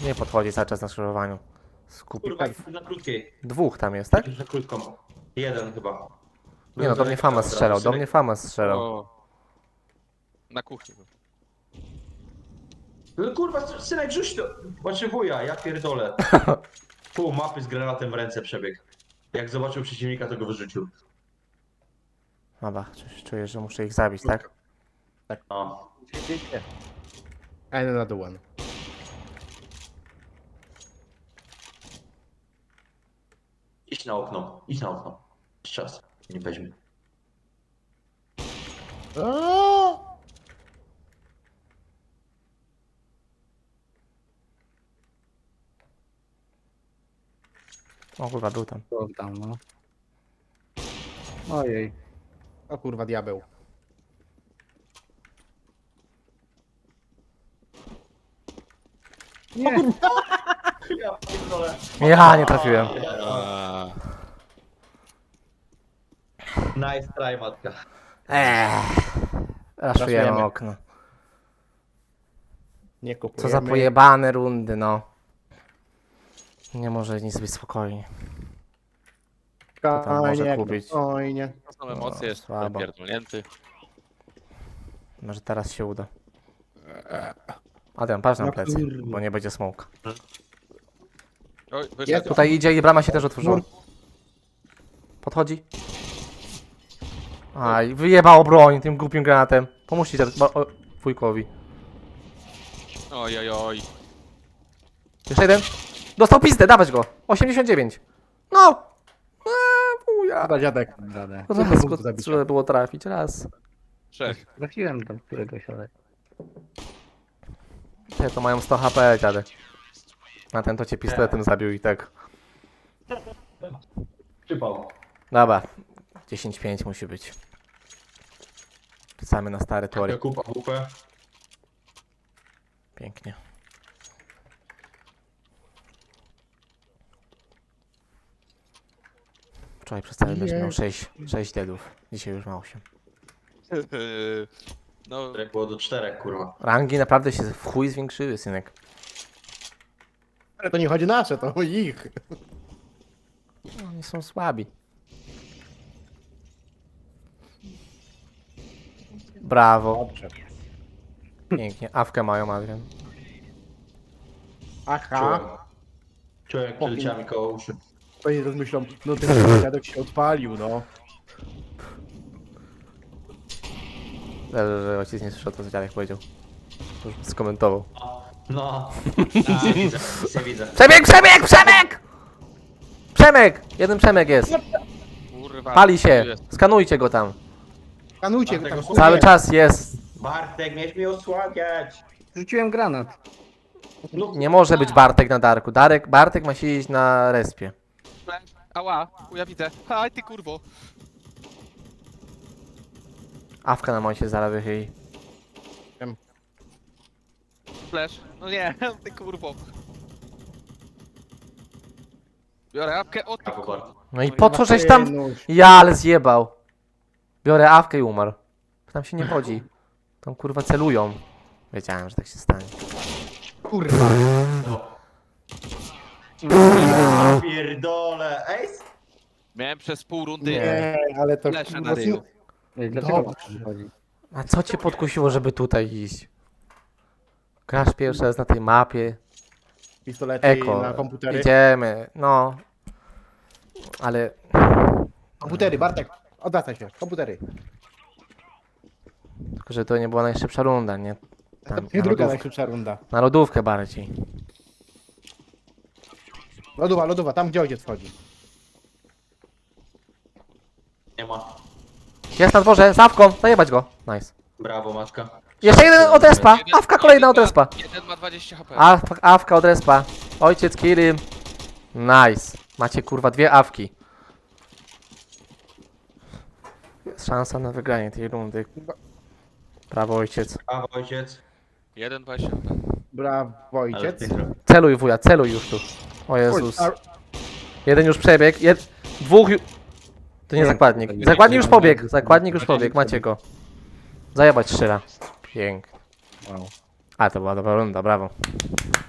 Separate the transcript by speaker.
Speaker 1: Nie podchodzi cały czas na skrzyżowaniu. Skupi.
Speaker 2: Kurwa, na krótkiej.
Speaker 1: Dwóch tam jest, tak?
Speaker 2: Na krótką. Jeden chyba.
Speaker 1: Nie no, do mnie Fama strzelał, do mnie Fama strzelał.
Speaker 3: O. Na kuchni.
Speaker 2: No kurwa, synek, rzuć to. Znaczy wuja, ja pierdolę. Pół mapy z granatem w ręce przebiegł. Jak zobaczył przeciwnika, to go wyrzucił.
Speaker 1: Dobra, czuję, że muszę ich zabić, tak?
Speaker 2: No.
Speaker 4: Another one.
Speaker 2: Idź na okno, idź na okno. Jest czas, nie weźmie.
Speaker 1: O kurwa, był tam.
Speaker 4: Tam, no. Ojej. O kurwa, diabeł. Nie,
Speaker 2: Ja pierdolę.
Speaker 1: Ja nie trafiłem.
Speaker 2: Nice try, matka.
Speaker 1: Raszujemy
Speaker 4: Raszujemy.
Speaker 1: okno.
Speaker 4: nie kupujemy.
Speaker 1: Co za pojebane rundy, no. Nie może nic być spokojnie. tam może
Speaker 4: Fajnie,
Speaker 1: kupić?
Speaker 4: Fajnie.
Speaker 3: To są emocje, jest
Speaker 1: słabo.
Speaker 3: pierdolnięty.
Speaker 1: Może teraz się uda. Adrian, patrz na
Speaker 4: No
Speaker 1: plecy,
Speaker 4: kurde.
Speaker 1: bo nie będzie smoke.
Speaker 3: Oj,
Speaker 4: Jest
Speaker 3: wyszedł.
Speaker 1: Tutaj idzie i brama się też otworzyła. Podchodzi. Aj, wyjebało broń tym głupim granatem. Pomóżcie wujkowi.
Speaker 3: Oj, oj, oj.
Speaker 1: Jeszcze jeden. Dostał pizdę, dawać go. 89. No! Wuja.
Speaker 4: Chyba dziadek. Radę.
Speaker 1: Raz go trzeba było trafić, raz.
Speaker 3: 6.
Speaker 4: Trafiłem do któregoś, ale...
Speaker 1: Te to mają 100 HP, dziadek. A ten to cię pistoletem zabił i tak.
Speaker 2: Przypał.
Speaker 1: Dobra. 10-5 musi być. Wracamy na stare tory.
Speaker 2: Kupa, kupę.
Speaker 1: Pięknie. Wczoraj przez cały mecz miał 6 deadów. Dzisiaj już ma 8.
Speaker 3: No,
Speaker 2: Jak było do 4, kurwa.
Speaker 1: Rangi naprawdę się w chuj zwiększyły, synek.
Speaker 4: Ale to nie chodzi nasze, to ich.
Speaker 1: Oni są słabi. Brawo.
Speaker 4: Dobrze.
Speaker 1: Pięknie. Awkę mają, Adrian.
Speaker 4: Aha.
Speaker 2: Czułem jak przeleciała mi koło uszy.
Speaker 4: To nie rozmyślą, no ten dziadek się odpalił, no.
Speaker 1: Dobrze, że ojciec nie słyszał to, co dziadek powiedział. Już skomentował.
Speaker 2: No. Widzę, widzę.
Speaker 1: Przebieg, przebieg, przebieg! Przemek! Jeden Przemek jest.
Speaker 3: kurwa.
Speaker 1: Pali się.
Speaker 3: Tu jest.
Speaker 1: Skanujcie go tam.
Speaker 4: Kanujcie,
Speaker 2: Bartek,
Speaker 4: tam
Speaker 2: osłaniaj.
Speaker 1: Cały czas jest.
Speaker 2: Bartek, miałeś mi osłabiać.
Speaker 4: Rzuciłem granat.
Speaker 2: No,
Speaker 1: Nie może być Bartek na Darku. Bartek ma siedzieć na respie.
Speaker 3: Ała, ja widzę. Aj, ty kurwo.
Speaker 1: Awka na momencie zaraz wychyli.
Speaker 3: Flash. No nie, ty kurwo. Biorę apkę, o ty
Speaker 2: Brawo,
Speaker 3: kurwo.
Speaker 2: Bartek.
Speaker 1: No i po co żeś tam...
Speaker 4: Nóż.
Speaker 1: Ja, ale zjebał. Biorę awkę i umarł. Tam się nie chodzi. Tam kurwa celują. Wiedziałem, że tak się stanie.
Speaker 4: Kurwa.
Speaker 2: Ja pierdolę. Ace?
Speaker 3: Miałem przez pół rundy.
Speaker 4: Nie, ale to
Speaker 3: Leszę
Speaker 4: kurwa,
Speaker 3: na ryju.
Speaker 4: Dlaczego?
Speaker 1: A co cię podkusiło, żeby tutaj iść? Grasz pierwszy raz na tej mapie.
Speaker 4: Pistolety
Speaker 1: Eko.
Speaker 4: na komputery.
Speaker 1: Idziemy. No. Ale...
Speaker 4: Komputery, Bartek. Odwracaj się. Komputery.
Speaker 1: Tylko, że to nie była najszybsza runda, nie?
Speaker 4: To
Speaker 1: Tam,
Speaker 4: nie
Speaker 1: na,
Speaker 4: druga
Speaker 1: lodówkę,
Speaker 4: najszybsza runda.
Speaker 1: na lodówkę bardziej.
Speaker 4: Lodowa, tam gdzie ojciec wchodzi.
Speaker 2: Nie ma.
Speaker 1: Jest na dworze, z awką, zajebać go. Nice.
Speaker 2: Brawo, matka.
Speaker 1: Jeszcze jeden od respa. Awka kolejna od respa.
Speaker 3: Jeden ma 20 HP.
Speaker 1: Awka od respa. Ojciec Kirim. Nice. Macie kurwa 2 awki. Jest szansa na wygranie tej rundy. Brawo ojciec.
Speaker 2: Brawo, ojciec.
Speaker 3: 1,20 HP.
Speaker 4: Brawo,
Speaker 2: Ale
Speaker 4: ojciec.
Speaker 2: ty zrobił.
Speaker 1: Celuj wuja, celuj już tu. O Jezus. Jeden już przebiegł, dwóch już... To nie zakładnik. Zakładnik już pobiegł, zakładnik już pobiegł, macie go. Zajebać strzela. Pięknie.
Speaker 4: Wow.
Speaker 1: A to była dobra runda, brawo.